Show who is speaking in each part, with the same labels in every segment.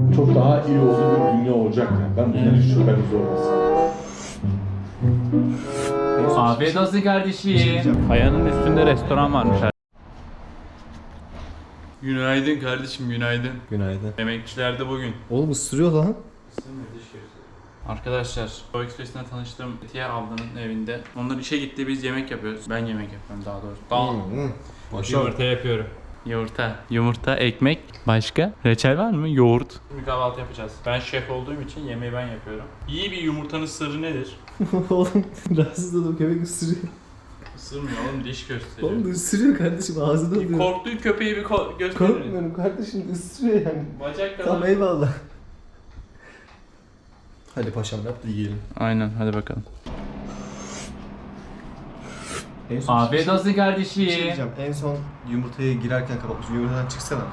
Speaker 1: çok daha iyi olduğu bir dünya olacak yani. Ben bundan hiç şüpheniz olmasın.
Speaker 2: Afiyet olsun kardeşim. Kayanın üstünde restoran varmış. Günaydın kardeşim, günaydın.
Speaker 3: Günaydın.
Speaker 2: Emekçiler de bugün.
Speaker 3: Oğlum ısırıyor lan.
Speaker 2: Arkadaşlar, Doğu Ekspresi'nden tanıştığım Etiye ablanın evinde. Onlar işe gitti, biz yemek yapıyoruz. Ben yemek yapıyorum daha doğrusu. Yumurta yapıyorum. Yumurta, ekmek, başka? Reçel var mı? Yoğurt. Bir kahvaltı yapacağız. Ben şef olduğum için yemeği ben yapıyorum. İyi bir yumurtanın sırrı nedir?
Speaker 3: Oğlum rahatsız oldum, köpek ısırıyor.
Speaker 2: Isırmıyor oğlum, diş gösteriyor.
Speaker 3: Oğlum ısırıyor kardeşim, ağzını alıyor.
Speaker 2: Korktuğu köpeği bir gösterir.
Speaker 3: Korkmuyorum kardeşim, ısırıyor yani.
Speaker 2: Bacak kadar.
Speaker 3: Tamam eyvallah. Hadi paşam yap da yiyelim.
Speaker 2: Aynen, hadi bakalım.
Speaker 3: En son
Speaker 2: Afiyet olsun
Speaker 3: bir şey
Speaker 2: kardeşim.
Speaker 3: diyeceğim. En son yumurtaya girerken kapatmışsın. Yumurtadan çıksana.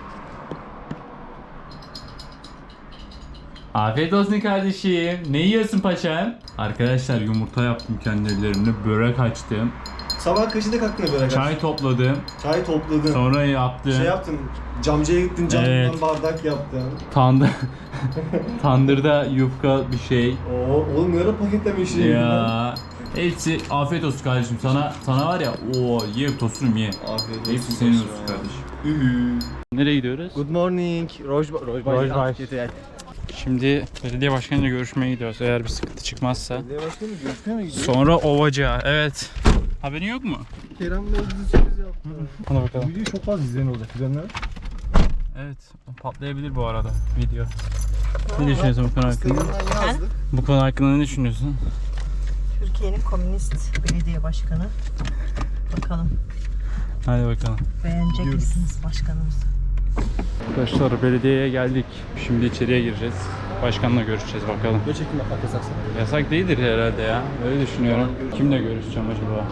Speaker 2: Afiyet olsun kardeşim. Ne yiyorsun paşam? Arkadaşlar yumurta yaptım kendi ellerimle. Börek açtım.
Speaker 3: Sabah kaçında kalktın böyle?
Speaker 2: Çay topladım.
Speaker 3: Çay topladın.
Speaker 2: Sonra yaptım.
Speaker 3: Şey yaptın, camcıya gittin, camdan
Speaker 2: Evet.
Speaker 3: bardak yaptın.
Speaker 2: Tandırda yufka bir şey.
Speaker 3: Oo, oğlum ne ara paketlemiş şey
Speaker 2: Ya. Hepsi afiyet olsun kardeşim. Sana var ya, ye tosunum ye.
Speaker 3: Afiyet olsun.
Speaker 2: Hepsi senin olsun kardeşim. Nereye gidiyoruz?
Speaker 3: Good morning. Rojbay.
Speaker 2: Şimdi belediye başkanıyla görüşmeye gidiyoruz. Eğer bir sıkıntı çıkmazsa.
Speaker 3: Belediye başkanı görüşmeye mi gidiyor?
Speaker 2: Sonra Ovacığa. Evet. Haberin yok mu?
Speaker 3: Kerem Bey bizi sürpriz yaptı.
Speaker 2: Hadi bakalım.
Speaker 1: Video çok fazla izleyen olacak. İzleyenler.
Speaker 2: Evet. Patlayabilir bu arada video. Ne düşünüyorsun bu konu hakkında?
Speaker 3: Instagram'dan yazdık.
Speaker 2: Bu konu hakkında ne düşünüyorsun?
Speaker 4: Türkiye'nin komünist belediye başkanı. Bakalım
Speaker 2: Hadi bakalım.
Speaker 4: beğenecek misiniz başkanımızı?
Speaker 2: Arkadaşlar belediyeye geldik. Şimdi içeriye gireceğiz. Başkanla görüşeceğiz bakalım.
Speaker 3: Video çekim yapmak yasak sana.
Speaker 2: Yasak değildir herhalde ya. Öyle düşünüyorum. Kimle görüşeceğim acaba?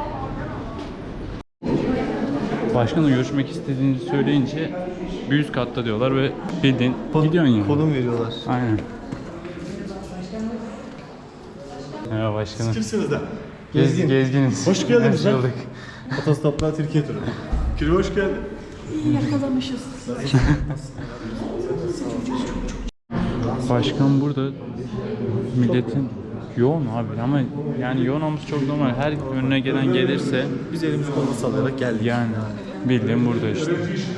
Speaker 2: Başkanla görüşmek istediğini söyleyince bir üst katta diyorlar ve bildiğin gidiyorsun yani.
Speaker 3: Konum veriyorlar.
Speaker 2: Aynen. Merhaba başkanım.
Speaker 1: Kimsiniz de?
Speaker 2: Gezginiz.
Speaker 1: Hoş geldiniz lan.
Speaker 2: bulduk.
Speaker 3: Otostoplar Türkiye turu.
Speaker 1: Kiri hoş geldin.
Speaker 2: Başkan burada, milletin yoğun abi ama yani yoğun olması çok normal. Her önüne gelen gelirse
Speaker 3: Biz elimizi kolumuzu sallayarak geldik.
Speaker 2: yani bildiğin burada işte.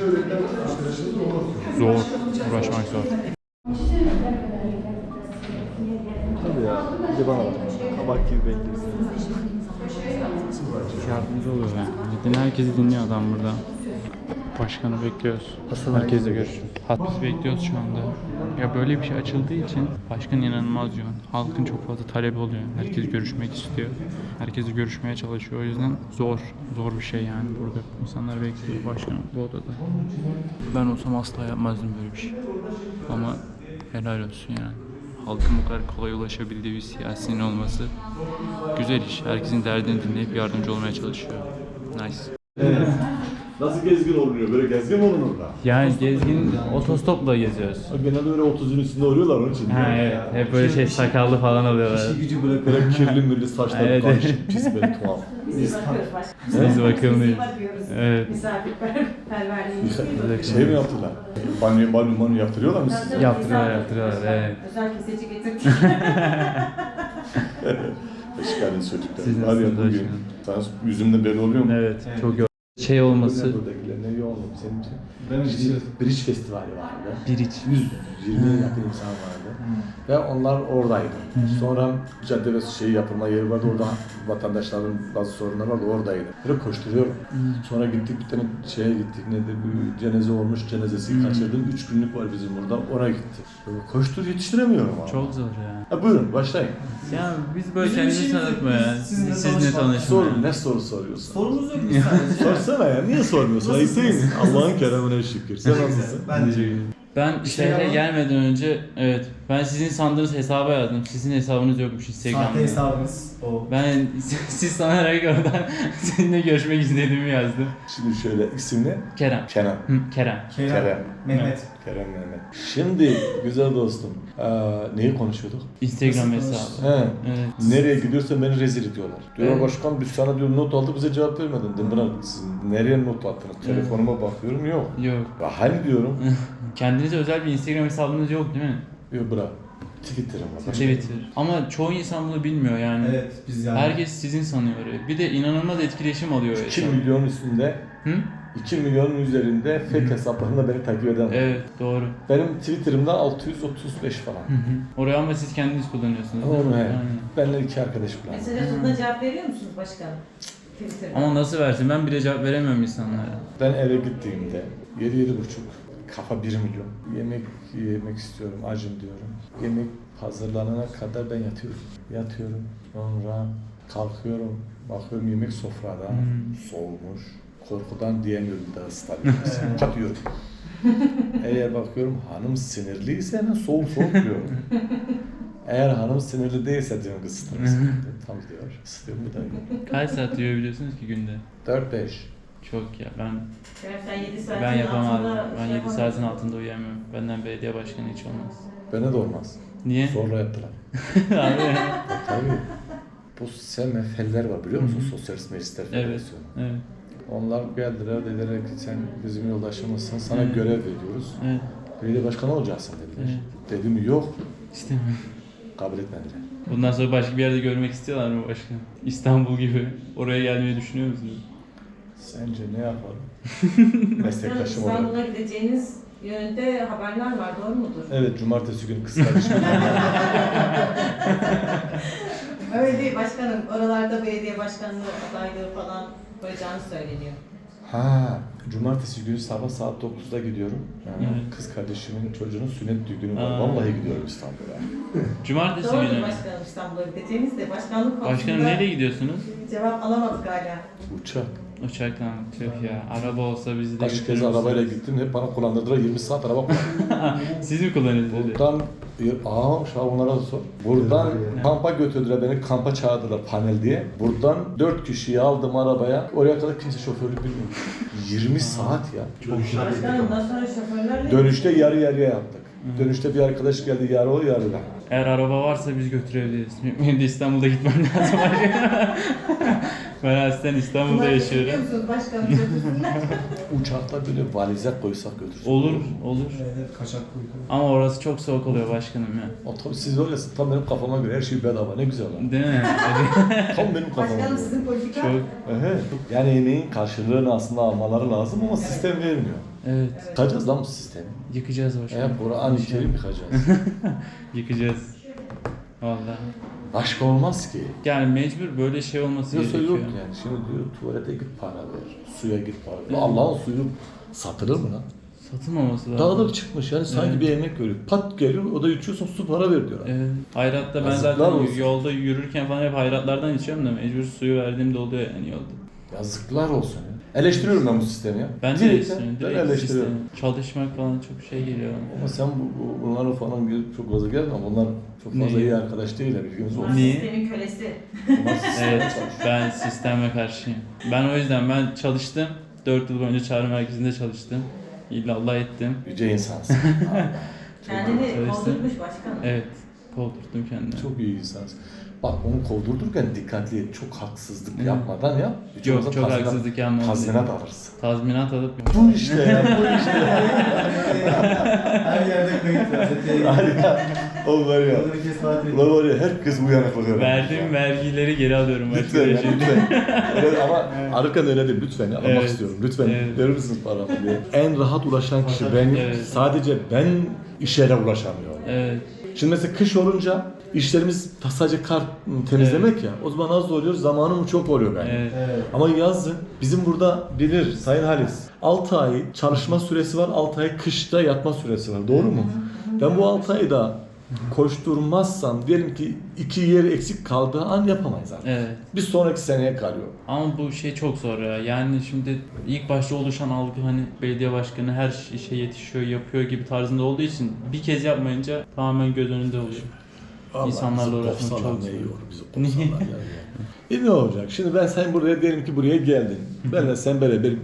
Speaker 2: Zor, uğraşmak zor.
Speaker 3: Tabii ya. Bir de bana bak. Kabak gibi bekliyorsun.
Speaker 2: Yardımcı oluyor yani. Bildiğin herkesi dinliyor adam burada. Başkanı bekliyoruz. Herkesle görüşürüz. Biz bekliyoruz şu anda. Ya böyle bir şey açıldığı için başkan inanılmaz yoğun. Halkın çok fazla talebi oluyor. Herkes görüşmek istiyor. Herkesi görüşmeye çalışıyor. O yüzden zor bir şey yani burada. İnsanlar bekliyor başkanı bu odada. Ben olsam asla yapmazdım böyle bir şey. Ama helal olsun yani. Halkın bu kadar kolay ulaşabildiği bir siyasinin olması güzel iş. Herkesin derdini dinleyip yardımcı olmaya çalışıyor. Nice.
Speaker 1: Nasıl gezgin olunuyor? Böyle gezgin mi olunur da?
Speaker 2: Yani gezgin otostopla geziyoruz.
Speaker 1: Genelde öyle 30'un üstünde oluyorlar onun için.
Speaker 2: Ha evet. Hep böyle şey sakallı falan oluyorlar.
Speaker 3: İşi gücü bırak.
Speaker 1: Böyle kirli mürli saçları
Speaker 2: Evet.
Speaker 1: karışık, pis böyle tuhaf.
Speaker 2: Biz bakımlıyız. Evet.
Speaker 4: Misafirperverliğimiz
Speaker 1: Şey mi yaptılar? Banyo yaptırıyorlar mı size?
Speaker 2: Yaptırıyorlar evet.
Speaker 4: özel kesici getirdik.
Speaker 1: Hoş geldiniz çocuklar.
Speaker 2: Siz
Speaker 1: Var ya
Speaker 2: nasılsınız
Speaker 1: bugün.
Speaker 2: başkanım?
Speaker 1: Sana yüzümde belli oluyor mu?
Speaker 2: Evet. Çok yoğun. Şey olması.
Speaker 1: Buradakiler ne yoğun senin için? Bridge Festivali vardı.
Speaker 2: Biriç.
Speaker 1: 120'ye yakın insan vardı. Ve onlar oradaydı. Sonra cadde ve yapılma yeri vardı. Orada vatandaşların bazı sorunları vardı. Oradaydı. Böyle koşturuyorum. Sonra gittik bir tane şeye gittik. Bir cenaze olmuş. Cenazesi kaçırdım. 3 günlük var bizim burada. Ona gittik. Böyle yetiştiremiyorum ama.
Speaker 2: Çok zor ya.
Speaker 1: Buyurun başlayın.
Speaker 2: Ya biz böyle kendimizi tanıtma ya. Sizinle tanışma.
Speaker 1: Sorun. Ne soru soruyorsun?
Speaker 3: Sorumuz yok biz sadece.
Speaker 1: Sorsana ya. Niye sormuyorsun? Ayıp değil mi? Allah'ın keremine şükür. Sen nasılsın?
Speaker 3: Ben de.
Speaker 2: Ben şehre gelmeden önce ben sizin sandığınız hesaba yazdım. Sizin hesabınız yokmuş Instagram'da.
Speaker 3: Sahte hesabımız o.
Speaker 2: Ben siz sanarak oradan seninle görüşmek istediğimi yazdım.
Speaker 1: Şimdi şöyle isim ne?
Speaker 2: Kerem.
Speaker 1: Kenan.
Speaker 2: Kerem.
Speaker 3: Kerem. Mehmet.
Speaker 1: Kerem Mehmet. Şimdi güzel dostum, neyi konuşuyorduk?
Speaker 2: Instagram hesabı.
Speaker 1: He.
Speaker 2: Evet.
Speaker 1: Nereye gidiyorsan beni rezil ediyorlar. Diyor
Speaker 2: Evet.
Speaker 1: başkan biz sana diyor not aldık bize cevap vermedin. Dedim buna siz nereye not attınız? Telefonuma bakıyorum yok.
Speaker 2: Yok.
Speaker 1: Ya hani diyorum.
Speaker 2: Kendinize özel bir Instagram hesabınız yok değil mi?
Speaker 1: Yok bırak. Twitter'ım var.
Speaker 2: Twitter. Ama çoğu insan bunu bilmiyor yani.
Speaker 3: Evet biz yani.
Speaker 2: Herkes sizin sanıyor. Bir de inanılmaz etkileşim alıyor.
Speaker 1: 2
Speaker 2: hesap.
Speaker 1: milyon üstünde,
Speaker 2: Hı?
Speaker 1: 2 milyonun üzerinde fake hesaplarında beni takip eden var.
Speaker 2: Evet doğru.
Speaker 1: Benim Twitter'ımda 635 falan.
Speaker 2: Hı hı. Oraya ama siz kendiniz kullanıyorsunuz. değil mi?
Speaker 1: Onu he.
Speaker 2: Aynen.
Speaker 1: Benimle 2 arkadaş kullanıyor.
Speaker 4: Mesajına cevap veriyor musunuz başkanım? Twitter'da.
Speaker 2: Ama nasıl versin? Ben bile cevap veremiyorum insanlara.
Speaker 1: Ben eve gittiğimde 7-7,5 kafa 1 milyon. Yemek istiyorum, acım diyorum. Yemek hazırlanana kadar ben yatıyorum. Yatıyorum. Sonra kalkıyorum. Bakıyorum yemek sofrada. Soğumuş. Korkudan diyemiyorum bir daha ıslanıyorum. Katıyorum. Eğer bakıyorum hanım sinirliyse hemen soğuk diyorum. Eğer hanım sinirli değilse diyorum kız ısıtırsın. Tamam diyor. Isıtıyorum bir daha yiyorum.
Speaker 2: Kaç saat uyuyabiliyorsunuz ki günde?
Speaker 1: 4-5.
Speaker 2: Çok ya ben
Speaker 4: Sen 7 saatin
Speaker 2: ben yapamam.
Speaker 4: altında
Speaker 2: Ben
Speaker 4: şey
Speaker 2: 7 saatin
Speaker 4: yapamazsın.
Speaker 2: altında uyuyamıyorum. Benden belediye başkanı hiç olmaz.
Speaker 1: Bana da olmaz.
Speaker 2: Niye?
Speaker 1: Sonra yaptılar.
Speaker 2: Abi.
Speaker 1: Tabii. Bu SMF'ler var biliyor musun? Sosyalist Meclisler
Speaker 2: Evet.
Speaker 1: Federasyonu.
Speaker 2: Evet.
Speaker 1: Onlar geldiler dediler ki sen bizim yoldaşımızsın sana
Speaker 2: Evet.
Speaker 1: görev veriyoruz.
Speaker 2: Evet.
Speaker 1: Belediye başkanı olacaksın dediler.
Speaker 2: Evet.
Speaker 1: Dedim yok.
Speaker 2: İstemiyorum.
Speaker 1: Kabul etmediler.
Speaker 2: Bundan sonra başka bir yerde görmek istiyorlar mı başkan? İstanbul gibi. Oraya gelmeyi düşünüyor musunuz?
Speaker 1: Sence ne yapalım?
Speaker 4: Başkanım,
Speaker 1: Meslektaşım olarak.
Speaker 4: İstanbul'a gideceğiniz yönünde haberler var, doğru mudur?
Speaker 1: Evet, cumartesi günü kız kardeşim.
Speaker 4: Öyle değil başkanım. Oralarda belediye başkanlığı adaylığı falan koyacağını söyleniyor.
Speaker 1: Ha, cumartesi günü sabah saat 9'da gidiyorum. Yani
Speaker 2: Evet.
Speaker 1: kız kardeşimin çocuğunun sünnet düğünü var.
Speaker 2: Aa.
Speaker 1: Vallahi gidiyorum İstanbul'a.
Speaker 2: Cumartesi
Speaker 4: Doğrudur
Speaker 2: günü.
Speaker 4: başkanım, İstanbul'a gideceğiniz de başkanlık konusunda
Speaker 2: Başkanım nereye gidiyorsunuz?
Speaker 4: cevap alamadık hala.
Speaker 1: Uçak.
Speaker 2: Uçakla. Tüh ya. Araba olsa bizi de
Speaker 1: Kaç
Speaker 2: götürür
Speaker 1: kez
Speaker 2: müsünüz?
Speaker 1: arabayla gittim. Hep bana kullandırdılar. 20 saat araba kullandım.
Speaker 2: Siz mi kullanıyorsunuz?
Speaker 1: Buradan, şu an onlara da sor. Buradan
Speaker 2: Evet.
Speaker 1: kampa götürdüler beni. Kampa çağırdılar panel diye. Buradan 4 kişiyi aldım arabaya. Oraya kadar kimse şoförlük bilmiyor. 20 saat ya.
Speaker 4: Başkanım bundan sonra şoförlerle...
Speaker 1: Dönüşte yarı yarıya yaptık. Dönüşte bir arkadaş geldi yarı o yarı ben.
Speaker 2: Eğer araba varsa biz götürebiliriz. Benim de İstanbul'da gitmem lazım. Ben aslen İstanbul'da
Speaker 4: Bunlar
Speaker 2: yaşıyorum.
Speaker 4: biliyor musunuz başkanım götürsünler?
Speaker 1: Uçakta böyle valize koysak götürsün.
Speaker 2: Olur, olur.
Speaker 3: Evet, kaçak uyku.
Speaker 2: Ama orası çok soğuk oluyor başkanım ya.
Speaker 1: Otobüs siz öylesiniz. Tam benim kafama göre her şey bedava. Ne güzel lan.
Speaker 2: Değil mi?
Speaker 1: Tam benim kafama
Speaker 4: Başkanım
Speaker 1: göre.
Speaker 4: sizin politika...
Speaker 2: Çok.
Speaker 1: Evet. Yani emeğin karşılığını aslında almaları lazım ama sistem vermiyor.
Speaker 2: Evet.
Speaker 1: Yıkacağız lan bu sistemi.
Speaker 2: Yıkacağız başkanım.
Speaker 1: Kur'an-ı Kerim yıkacağız.
Speaker 2: Yıkacağız. Vallahi.
Speaker 1: Başka olmaz ki.
Speaker 2: Yani mecbur böyle şey olması
Speaker 1: Yoksa
Speaker 2: gerekiyor.
Speaker 1: yok yani. Şimdi diyor tuvalete git para ver. Suya git para ver. Allah'ın suyu satılır mı lan?
Speaker 2: Satılmaması lazım.
Speaker 1: Dağılıp çıkmış yani sanki
Speaker 2: Evet.
Speaker 1: bir emek görüyor. Pat geliyor o da içiyorsun su para ver diyor.
Speaker 2: Evet. Hayrat'ta ben
Speaker 1: Yazıklar
Speaker 2: zaten
Speaker 1: olsun.
Speaker 2: yolda yürürken falan hep hayratlardan içiyorum da mecbur suyu verdiğimde oluyor yani yolda.
Speaker 1: Yazıklar olsun ya. Eleştiriyorum ben bu sistemi ya.
Speaker 2: Ben de
Speaker 1: Direkt
Speaker 2: eleştiriyorum.
Speaker 1: ben
Speaker 2: Direkt
Speaker 1: eleştiriyorum.
Speaker 2: sistem. Çalışmak falan çok şey geliyor.
Speaker 1: Ama sen bunlara falan gelip çok fazla gelme. Bunlar çok fazla
Speaker 2: Niye?
Speaker 1: iyi arkadaş değiller bilginiz olsun.
Speaker 4: Bunlar
Speaker 2: Niye?
Speaker 4: sistemin kölesi.
Speaker 1: Bunlar sisteme
Speaker 2: Evet,
Speaker 1: çalışıyor.
Speaker 2: ben sisteme karşıyım. Ben o yüzden ben çalıştım. 4 yıl boyunca çağrı merkezinde çalıştım. İllallah ettim.
Speaker 1: Yüce insansın.
Speaker 4: Kendini
Speaker 2: Çalıştım.
Speaker 4: kovdurmuş başkanım.
Speaker 2: Evet, kovdurttum kendimi.
Speaker 1: Çok iyi insansın. Bak onu kovdurdurken dikkatli et. Çok haksızlık yapmadan yap. Hiç
Speaker 2: Yok,
Speaker 1: olmazsa
Speaker 2: çok
Speaker 1: tazminat-
Speaker 2: haksızlık yapmadım.
Speaker 1: Tazminat alırsın.
Speaker 2: Tazminat alıp
Speaker 1: Bu işte ya, bu işte.
Speaker 3: Her yerde kayıt var.
Speaker 1: Harika. O var ya.
Speaker 3: Orada bir kez tatil
Speaker 1: Ulan var ya herkes uyanıklık öğrenmiş.
Speaker 2: verdiğim vergileri geri alıyorum.
Speaker 1: Lütfen ya,
Speaker 2: başka bir şey.
Speaker 1: lütfen. Öyle ama ararken öyle değil, lütfen ya, almak
Speaker 2: Evet.
Speaker 1: istiyorum. Lütfen
Speaker 2: Evet.
Speaker 1: verir misiniz paramı diye. En rahat ulaşan kişi benim.
Speaker 2: Evet.
Speaker 1: Sadece ben iş yere ulaşamıyorum.
Speaker 2: Evet.
Speaker 1: Şimdi mesela kış olunca işlerimiz sadece kar temizlemek ya. O zaman az oluyor, zamanım çok oluyor benim.
Speaker 2: Evet.
Speaker 3: Evet.
Speaker 1: Ama yazın bizim burada bilir Sayın Halis. 6 ay çalışma süresi var, 6 ay kışta yatma süresi var. Doğru mu? Ben bu 6 ayda koşturmazsam diyelim ki 2 yer eksik kaldığı an yapamayız artık.
Speaker 2: Evet.
Speaker 1: Bir sonraki seneye kalıyor.
Speaker 2: Ama bu şey çok zor ya. Yani şimdi ilk başta oluşan algı hani belediye başkanı her işe yetişiyor, yapıyor gibi tarzında olduğu için bir kez yapmayınca tamamen göz önünde oluyor. İnsanlarla
Speaker 1: bizi
Speaker 2: uğraşmak
Speaker 1: kovsalar
Speaker 2: çok
Speaker 1: ne
Speaker 2: zor.
Speaker 1: iyi olur, bizi kovsalar yani. Ne olacak? Şimdi ben sen buraya diyelim ki buraya geldin. Benle sen beraber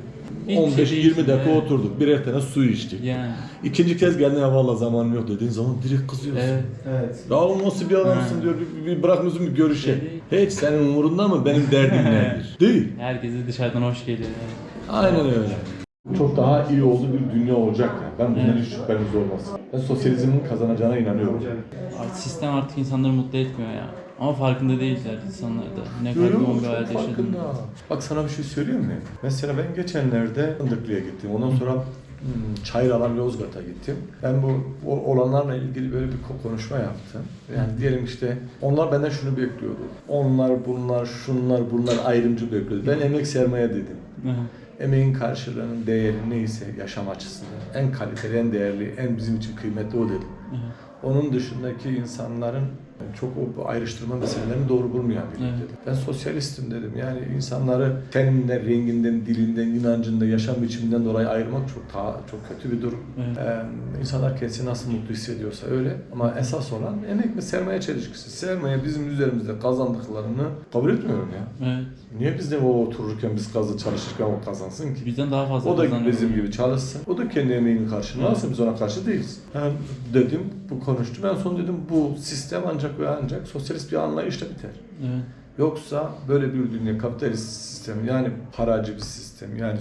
Speaker 2: Hiçbir şey
Speaker 1: 15-20 dakika
Speaker 2: değişmiyor.
Speaker 1: oturduk. Birer tane su içtik.
Speaker 2: Yani.
Speaker 1: İkinci kez geldin ya vallahi zamanım yok dediğin zaman direkt kızıyorsun.
Speaker 2: Evet.
Speaker 3: Evet.
Speaker 1: Ya o nasıl bir adamsın
Speaker 2: Ha.
Speaker 1: diyor. Bir bırakmıyorsun bir görüşe. Hiç senin umurunda mı benim derdim nedir? Değil.
Speaker 2: Herkese dışarıdan hoş geliyor.
Speaker 1: Aynen öyle. Çok daha iyi olduğu bir dünya olacak yani. Ben bundan hiç şüpheniz olmasın. Ben sosyalizmin kazanacağına inanıyorum.
Speaker 2: Sistem artık insanları mutlu etmiyor ya. Ama farkında değiller insanlar da. Ne kadar yoğun bir hayat yaşadığını.
Speaker 1: Bak sana bir şey söyleyeyim mi? Mesela ben geçenlerde Fındıklı'ya gittim. Ondan sonra Çayıralan Yozgat'a gittim. Ben bu olanlarla ilgili böyle bir konuşma yaptım. Yani diyelim işte onlar benden şunu bekliyordu. Onlar, bunlar, şunlar, bunlar ayrımcı bekliyordu. Ben emek sermaye dedim. Emeğin karşılığının değeri neyse yaşam açısından en kaliteli, en değerli, en bizim için kıymetli o dedim. Onun dışındaki insanların çok o ayrıştırma meselelerini doğru bulmayan biri dedim. Ben sosyalistim dedim. Yani insanları teninden, renginden, dilinden, inancından, yaşam biçiminden dolayı ayırmak çok kötü bir durum. İnsanlar kendisini nasıl mutlu hissediyorsa öyle. Ama esas olan emek ve sermaye çelişkisi. Sermaye bizim üzerimizde kazandıklarını kabul etmiyorum ya.
Speaker 2: Evet.
Speaker 1: Niye biz de o otururken biz çalışırken o kazansın ki?
Speaker 2: Bizden daha fazla
Speaker 1: O da
Speaker 2: kazanıyor.
Speaker 1: bizim gibi çalışsın. O da kendi emeğinin karşılığını alsın. Biz ona karşı değiliz. Dedim, bu konuştum. En son dedim bu sistem ancak ve ancak sosyalist bir anlayışla biter.
Speaker 2: Evet.
Speaker 1: Yoksa böyle bir dünya kapitalist sistem yani paracı bir sistem yani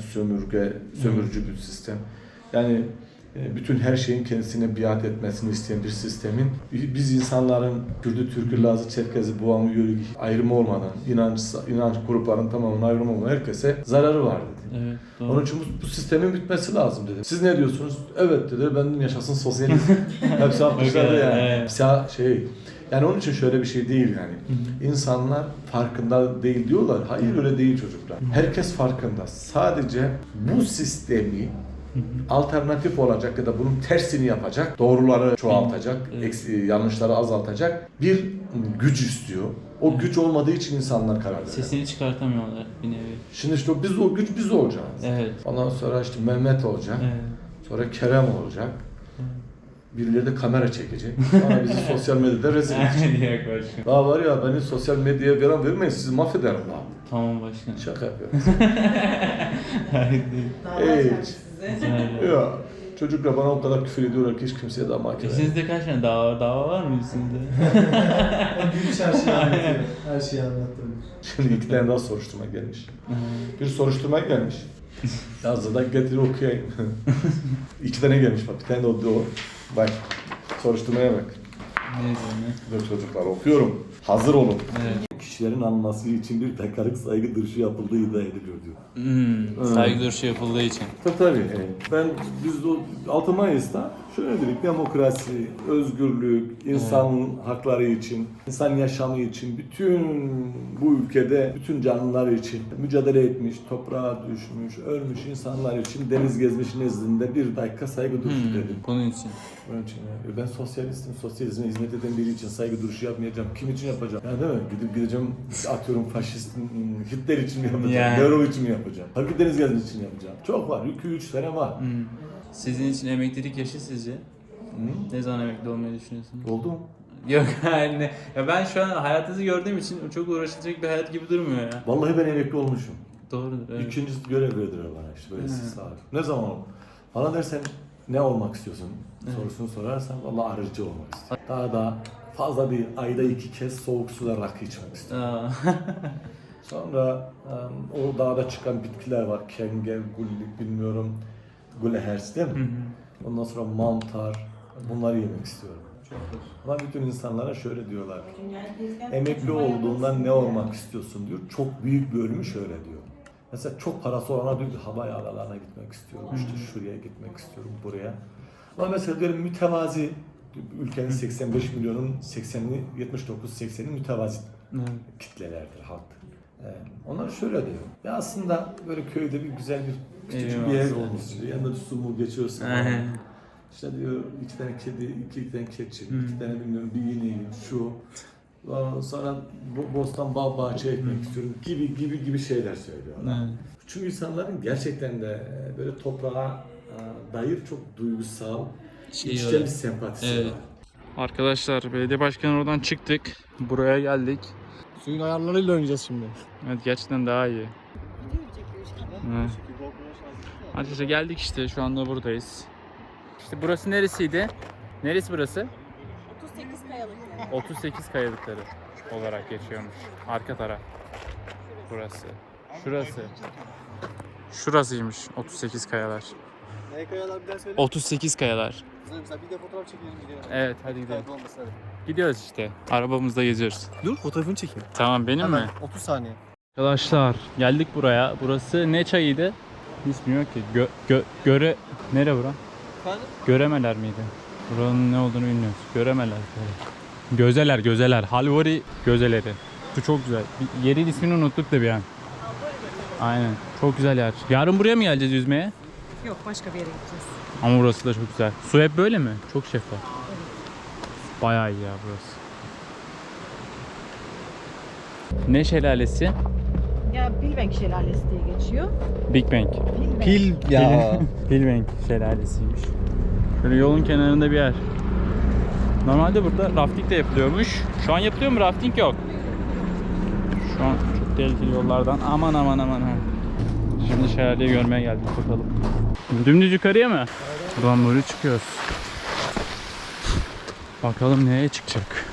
Speaker 1: sömürücü bir sistem yani bütün her şeyin kendisine biat etmesini isteyen bir sistemin biz insanların Kürdü, Türk'ü, Lazı, Çerkezi, Boğamı, Yörük ayrımı olmadan inanç grupların tamamının ayrımı olmadan herkese zararı var dedi.
Speaker 2: Evet, doğru.
Speaker 1: Onun için bu sistemin bitmesi lazım dedi. Siz ne diyorsunuz? Evet dedi. Ben dedim yaşasın sosyalizm. Hepsi atmışlardı yani.
Speaker 2: Evet.
Speaker 1: Yani onun için şöyle bir şey değil yani. İnsanlar farkında değil diyorlar. Hayır öyle değil çocuklar. Herkes farkında. Sadece bu sistemi alternatif olacak ya da bunun tersini yapacak, doğruları çoğaltacak, yanlışları azaltacak bir güç istiyor. O güç olmadığı için insanlar karar veriyor.
Speaker 2: Sesini çıkartamıyorlar bir nevi.
Speaker 1: Şimdi işte biz olacağız.
Speaker 2: Evet.
Speaker 1: Ondan sonra işte Mehmet olacak.
Speaker 2: Evet.
Speaker 1: Sonra Kerem olacak. Birileri de kamera çekecek. Sonra bizi sosyal medyada rezil edecek.
Speaker 2: Yok başkanım.
Speaker 1: Daha var ya beni sosyal medyaya vermeyin sizi mahvederim daha.
Speaker 2: Tamam başkanım.
Speaker 1: Şaka yapıyorum.
Speaker 2: Hayır.
Speaker 4: Dava
Speaker 1: Hiç.
Speaker 4: açar size.
Speaker 1: Ya çocuklar bana o kadar küfür ediyorlar ki hiç kimseye daha mahkeme.
Speaker 2: Sizde kaç tane dava var mı sizde?
Speaker 3: O gülüş her şeyi anlatıyor. Her şeyi anlattırmış.
Speaker 1: Şimdi 2 tane daha soruşturma gelmiş. Bir soruşturma gelmiş. Yazdı da getir okuyayım. 2 tane gelmiş bak. Bir tane de o. Bak. Soruşturmaya bak.
Speaker 2: Neyse ne?
Speaker 1: Dur çocuklar okuyorum. Hazır olun.
Speaker 2: Evet.
Speaker 1: Kişilerin alınması için bir dakikalık saygı duruşu yapıldığı iddia ediliyor diyor.
Speaker 2: Saygı duruşu yapıldığı için.
Speaker 1: Tabii. Biz de 6 Mayıs'ta şöyle dedik, demokrasi, özgürlük, insan hakları için, insan yaşamı için, bütün bu ülkede, bütün canlılar için mücadele etmiş, toprağa düşmüş, ölmüş insanlar için deniz gezmiş nezdinde bir dakika saygı duruşu dedim.
Speaker 2: Bunun için.
Speaker 1: Onun için ben sosyalistim, sosyalizme hizmet eden biri için saygı duruşu yapmayacağım. Kim için yapacağım? Yani değil mi? Gideceğim, atıyorum faşist, Hitler için mi yapacağım?
Speaker 2: Yani.
Speaker 1: Nero için mi yapacağım? Tabii deniz gezmek için yapacağım. Çok var, 2-3 sene var.
Speaker 2: Sizin için emeklilik yaşı sizce? Ne zaman emekli olmayı düşünüyorsunuz?
Speaker 1: Oldu mu?
Speaker 2: Yok yani ya ben şu an hayatınızı gördüğüm için çok uğraşılacak bir hayat gibi durmuyor ya.
Speaker 1: Vallahi ben emekli olmuşum.
Speaker 2: Doğrudur. Evet.
Speaker 1: İkinci görev verdiler bana işte böyle istisnalar. Ne zaman oldu? Bana dersen ne olmak istiyorsun sorusunu sorarsan vallahi arıcı olmak istiyorum. Daha fazla bir ayda 2 kez soğuk suda rakı içmek istiyorum. Sonra o dağda çıkan bitkiler var. Kenge, gullik bilmiyorum. Gulehers değil mi? Ondan sonra mantar. Bunları yemek istiyorum. Ama bütün insanlara şöyle diyorlar ki emekli olduğundan ne olmak istiyorsun diyor. Çok büyük bir bölümü şöyle diyor. Mesela çok parası olana diyor ki hava yağlarına gitmek istiyorum. İşte şuraya gitmek istiyorum, buraya. Ama mesela diyelim mütevazi ülkenin 85 milyonun 80'ini 79-80'i mütevazi kitlelerdir, halktır. Onlar şöyle diyor. Ya aslında böyle köyde bir güzel bir küçük bir ev olmuş diyor. Yanında bir su mu geçiyorsun. İşte diyor 2 tane kedi, 2 tane keçi, 2 tane bilmiyorum bir ineğim, şu. Sonra bostan bağ bahçe ekmek istiyorum gibi şeyler söylüyorlar. Çünkü insanların gerçekten de böyle toprağa dair çok duygusal, içten bir sempatisi var.
Speaker 2: Arkadaşlar belediye başkanı oradan çıktık. Buraya geldik.
Speaker 3: Suyun ayarlarıyla oynayacağız şimdi.
Speaker 2: Evet gerçekten daha iyi. Evet. Arkadaşlar geldik işte, şu anda buradayız. İşte burası neresiydi? Neresi burası?
Speaker 4: 38 kayalık.
Speaker 2: 38 kayalıkları olarak geçiyormuş. Arka taraf. Burası. Şurası. Şurasıymış 38 kayalar.
Speaker 3: Ne kayalar bir daha söyle.
Speaker 2: 38 kayalar.
Speaker 3: Mesela bir de fotoğraf çekelim gidelim.
Speaker 2: Evet, hadi gidelim.
Speaker 3: Kaybolmasın hadi.
Speaker 2: Gidiyoruz işte. Arabamızda geziyoruz.
Speaker 3: Dur fotoğrafını çekeyim.
Speaker 2: Tamam, benim mi?
Speaker 3: 30 saniye.
Speaker 2: Arkadaşlar geldik buraya. Burası ne çayıydı? Hiç bilmiyorum ki. Nere bura?
Speaker 3: Efendim?
Speaker 2: Göremeler miydi? Buranın ne olduğunu bilmiyoruz. Göremeler. Gözeler, gözeler. Halvari gözeleri. Su çok güzel. Yerin ismini unuttuk da bir an. Aynen. Çok güzel yer. Yarın buraya mı geleceğiz yüzmeye?
Speaker 4: Yok, başka bir yere gideceğiz.
Speaker 2: Ama burası da çok güzel. Su hep böyle mi? Çok şeffaf. Bayağı iyi ya burası. Ne şelalesi?
Speaker 4: Ya Bilbenk Şelalesi diye geçiyor.
Speaker 2: Big Bang.
Speaker 4: Bilbenk.
Speaker 3: Pil ya.
Speaker 2: Bilbenk şelalesiymiş. Şöyle yolun kenarında bir yer. Normalde burada rafting de yapılıyormuş. Şu an yapılıyor mu? Rafting yok. Şu an çok tehlikeli yollardan. Aman aman aman. Şimdi şelaleyi görmeye geldik, bakalım. Dümdüz yukarıya mı? Buradan böyle çıkıyoruz. Bakalım neye çıkacak.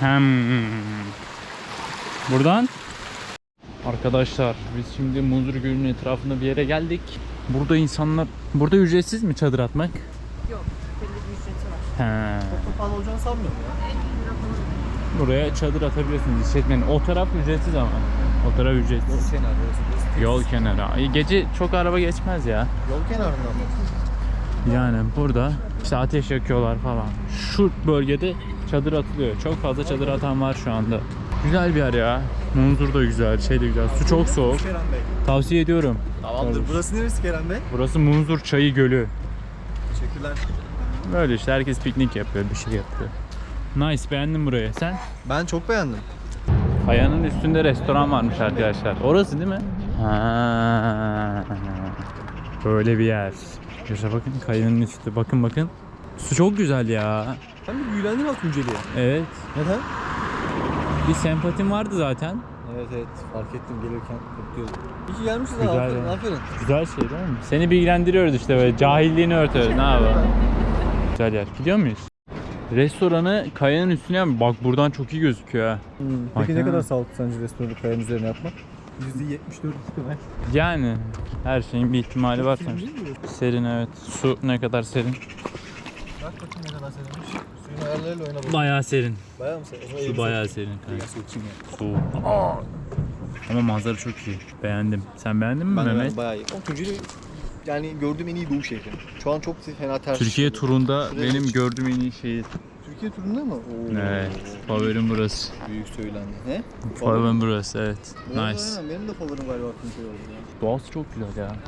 Speaker 2: Buradan. Arkadaşlar biz şimdi Munzur Gölü'nün etrafında bir yere geldik. Burada insanlar... Burada ücretsiz mi çadır atmak?
Speaker 4: Yok, belli bir ücreti var.
Speaker 2: He.
Speaker 3: Kapalı olacağını sanmıyorum ya.
Speaker 2: Buraya çadır atabiliyorsunuz işletmenin. O taraf ücretsiz ama. O taraf ücretsiz. Yol kenarı. Gece çok araba geçmez ya.
Speaker 3: Yol kenarında mı?
Speaker 2: Yani burada işte ateş yakıyorlar falan. Şu bölgede çadır atılıyor. Çok fazla çadır atan var şu anda. Güzel bir yer ya. Munzur da güzel, şey de güzel. Su çok soğuk.
Speaker 3: Kerem Bey.
Speaker 2: Tavsiye ediyorum.
Speaker 3: Tamamdır. Burası neresi Kerem Bey?
Speaker 2: Burası Munzur Çayı Gölü.
Speaker 3: Teşekkürler.
Speaker 2: Böyle işte herkes piknik yapıyor, bir şey yapıyor. Nice, beğendim burayı. Sen?
Speaker 3: Ben çok beğendim.
Speaker 2: Kayanın üstünde restoran varmış arkadaşlar. Orası değil mi? Ha. Böyle bir yer. Yaşa bakın, kayanın üstü. Bakın bakın. Su çok güzel ya.
Speaker 3: Sen bir büyülendin mi Tunceli'ye?
Speaker 2: Evet.
Speaker 3: Neden?
Speaker 2: Bir sempatim vardı zaten.
Speaker 3: Evet fark ettim gelirken korkuyordum. İyi ki gelmişiz ha,
Speaker 2: Güzel
Speaker 3: aferin
Speaker 2: ya.
Speaker 3: aferin.
Speaker 2: Güzel şey değil mi? Seni bilgilendiriyoruz işte, böyle cahilliğini örtüyoruz. Ne yapalım? Güzel yer. Gidiyor muyuz? Restoranı kayanın üstüne yap. Bak buradan çok iyi gözüküyor ha.
Speaker 3: Peki
Speaker 2: Bak
Speaker 3: ne
Speaker 2: ha.
Speaker 3: kadar sağlıklı sence restoranı kayanın üzerine yapmak? %74 ihtimal.
Speaker 2: Yani her şeyin bir ihtimali var sonuçta. Serin, evet. Su ne kadar serin?
Speaker 3: Bak bakayım ne kadar serinmiş. Suyun ayarlarıyla oyna bakalım.
Speaker 2: Bayağı serin.
Speaker 3: Bayağı mı serin?
Speaker 2: Su bayağı serin.
Speaker 3: Biraz soğuksun ya.
Speaker 2: Soğuk. Ama manzara çok iyi. Beğendim. Sen beğendin mi
Speaker 3: Ben de
Speaker 2: Mehmet?
Speaker 3: bayağı iyi. O Tunceli yani gördüğüm en iyi doğu şehri. Şu an çok fena ters.
Speaker 2: Türkiye
Speaker 3: düşüyor.
Speaker 2: turunda
Speaker 3: Şuraya
Speaker 2: benim
Speaker 3: geç.
Speaker 2: gördüğüm en iyi şehir.
Speaker 3: Türkiye turunda mı? Oo.
Speaker 2: Evet. Favorim burası.
Speaker 3: Büyük söylendi. Ne?
Speaker 2: Favorim burası, evet.
Speaker 3: Evet,
Speaker 2: Nice.
Speaker 3: aynen. Benim de favorim galiba Tunceli oldu ya.
Speaker 2: Doğası çok güzel ya.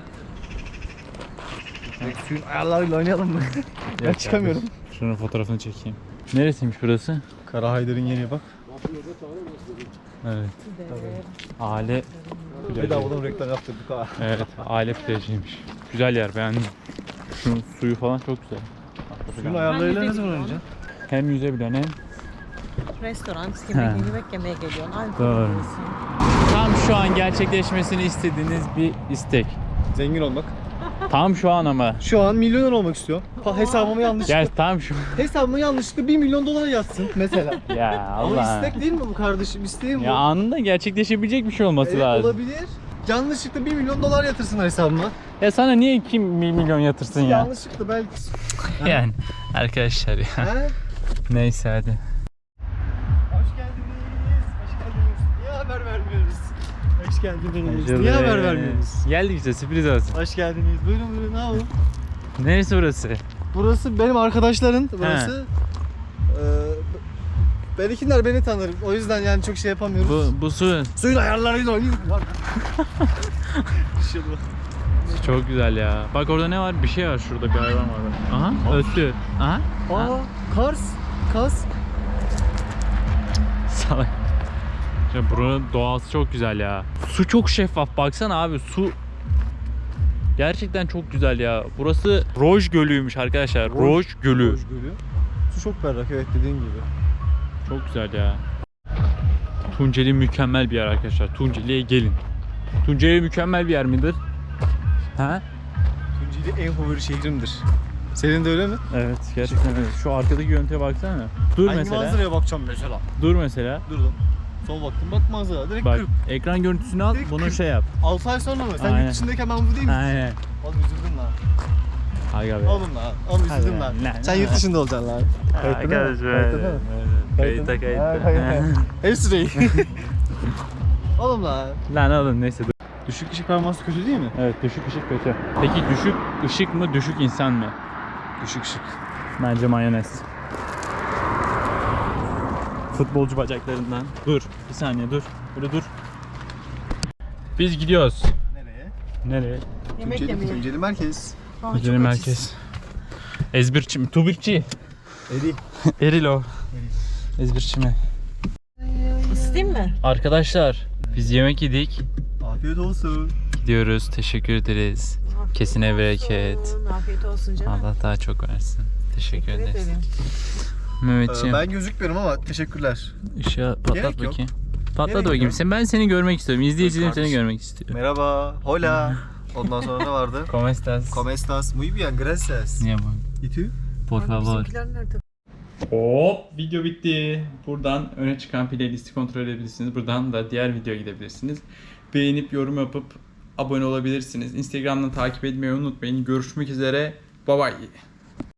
Speaker 3: Suyun ayarlarıyla oynayalım mı? Ben çıkamıyorum.
Speaker 2: Şunun fotoğrafını çekeyim. Neresiymiş burası?
Speaker 3: Kara Haydar'ın yeni bak.
Speaker 2: Evet. Aile
Speaker 3: Bedavadan reklam yaptırdık ha.
Speaker 2: Evet, aile plajıymış. Güzel yer, beğendim. Şunun suyu falan çok güzel.
Speaker 3: Suyun ayarlarıyla ne zaman oynayacaksın?
Speaker 2: Hem yüzebilen hem...
Speaker 4: Restoran,
Speaker 2: He.
Speaker 4: yemek yemeye geliyorsun. Alkol
Speaker 2: Doğru.
Speaker 4: yiyorsun.
Speaker 2: Tam şu an gerçekleşmesini istediğiniz bir istek.
Speaker 3: Zengin olmak.
Speaker 2: Tam şu an ama.
Speaker 3: Şu an milyoner olmak istiyorum. Hesabıma yanlışlıkla.
Speaker 2: Gel tam şu.
Speaker 3: Hesabıma yanlışlıkla 1 milyon dolar yatsın mesela.
Speaker 2: Ya
Speaker 3: Ama
Speaker 2: Allah.
Speaker 3: istek değil mi bu kardeşim? İsteğim bu.
Speaker 2: Ya anında gerçekleşebilecek bir şey olması
Speaker 3: Evet,
Speaker 2: lazım.
Speaker 3: olabilir. Yanlışlıkla 1 milyon dolar yatırsın hesabıma.
Speaker 2: Ya sana niye 2 milyon yatırsın ya?
Speaker 3: Yanlışlıkla belki.
Speaker 2: Yani arkadaşlar ya.
Speaker 3: He?
Speaker 2: Neyse hadi.
Speaker 3: Hoş geldiniz. Hoş geldiniz. Niye haber vermiyoruz? Hoş geldiniz. Niye haber vermiyoruz?
Speaker 2: Geldik işte, sürpriz olsun.
Speaker 3: Hoş geldiniz. Buyurun buyurun. Ne yapalım?
Speaker 2: Neresi burası?
Speaker 3: Burası benim arkadaşların. Burası. Belkiler beni tanır. O yüzden yani çok şey yapamıyoruz.
Speaker 2: Bu su
Speaker 3: Suyun ayarlarıyla oynuyoruz.
Speaker 2: çok güzel ya. Bak orada ne var? Bir şey var şurada, bir hayvan var. Aha, öttü. Aha.
Speaker 3: Aa, Kars. Kas.
Speaker 2: Salak. Ya buranın doğası çok güzel ya. Su çok şeffaf, baksana abi, su gerçekten çok güzel ya. Burası Roj Gölü'ymüş arkadaşlar. Roj Gölü.
Speaker 3: Roj Gölü. Su çok berrak, evet, dediğin gibi.
Speaker 2: Çok güzel ya. Tunceli mükemmel bir yer arkadaşlar. Tunceli'ye gelin. Tunceli mükemmel bir yer midir? Ha?
Speaker 3: Tunceli en favori şehrimdir. Senin de öyle mi?
Speaker 2: Evet gerçekten öyle. Şu arkadaki görüntüye baksana. Dur
Speaker 3: Hangi
Speaker 2: mesela.
Speaker 3: manzaraya bakacağım mesela?
Speaker 2: Dur mesela.
Speaker 3: Durdum. Sol baktım bak manzara direkt
Speaker 2: Bak
Speaker 3: 40.
Speaker 2: ekran görüntüsünü al
Speaker 3: Direkt
Speaker 2: bunu
Speaker 3: 40.
Speaker 2: şey yap.
Speaker 3: 6 ay sonra mı? Sen
Speaker 2: Aynen.
Speaker 3: yurt dışındayken ben bu değil mi?
Speaker 2: Aynen.
Speaker 3: Oğlum üzüldüm lan.
Speaker 2: Aga be.
Speaker 3: Oğlum lan. Oğlum üzüldüm lan.
Speaker 2: Lan.
Speaker 3: Sen yurt dışında olacaksın lan.
Speaker 2: Kayıtta
Speaker 3: Hepsi değil. Oğlum lan.
Speaker 2: Lan oğlum neyse dur.
Speaker 3: Düşük ışık performansı kötü değil mi?
Speaker 2: Evet düşük ışık kötü. Peki düşük ışık mı düşük insan mı?
Speaker 3: Düşük ışık.
Speaker 2: Bence mayonez. Futbolcu bacaklarından. Dur bir saniye dur. Böyle dur. Biz gidiyoruz.
Speaker 3: Nereye?
Speaker 2: Nereye?
Speaker 4: Yemek yemeye.
Speaker 3: Tunceli merkez.
Speaker 2: Tunceli merkez. Ezbirçi mi? Tubikçi.
Speaker 3: Eri.
Speaker 2: Erilo. Ezbirçi mi?
Speaker 4: Isıtayım mı?
Speaker 2: Arkadaşlar biz yemek yedik.
Speaker 3: Afiyet olsun.
Speaker 2: Gidiyoruz. Teşekkür ederiz. Kesine bereket.
Speaker 4: Afiyet olsun canım.
Speaker 2: Allah daha çok versin. Teşekkür ederiz.
Speaker 4: ederim.
Speaker 2: Mehmetciğim.
Speaker 3: Ben gözükmüyorum ama teşekkürler.
Speaker 2: Işığı patlat
Speaker 3: Gerek yok.
Speaker 2: bakayım. Patlat
Speaker 3: Gerek
Speaker 2: bakayım.
Speaker 3: yok.
Speaker 2: Ben seni görmek istiyorum. İzleyicilerim seni
Speaker 3: Kardeşim.
Speaker 2: görmek istiyor.
Speaker 3: Merhaba. Hola. Ondan sonra ne vardı?
Speaker 2: ¿Cómo estás?
Speaker 3: ¿Cómo estás? Muy bien, gracias.
Speaker 2: Niye bu?
Speaker 3: ¿Y tú?
Speaker 2: Por favor.
Speaker 4: nerede?
Speaker 2: Hop video bitti. Buradan öne çıkan playlisti kontrol edebilirsiniz. Buradan da diğer videoya gidebilirsiniz. Beğenip yorum yapıp abone olabilirsiniz. Instagram'dan takip etmeyi unutmayın. Görüşmek üzere. Bye bye.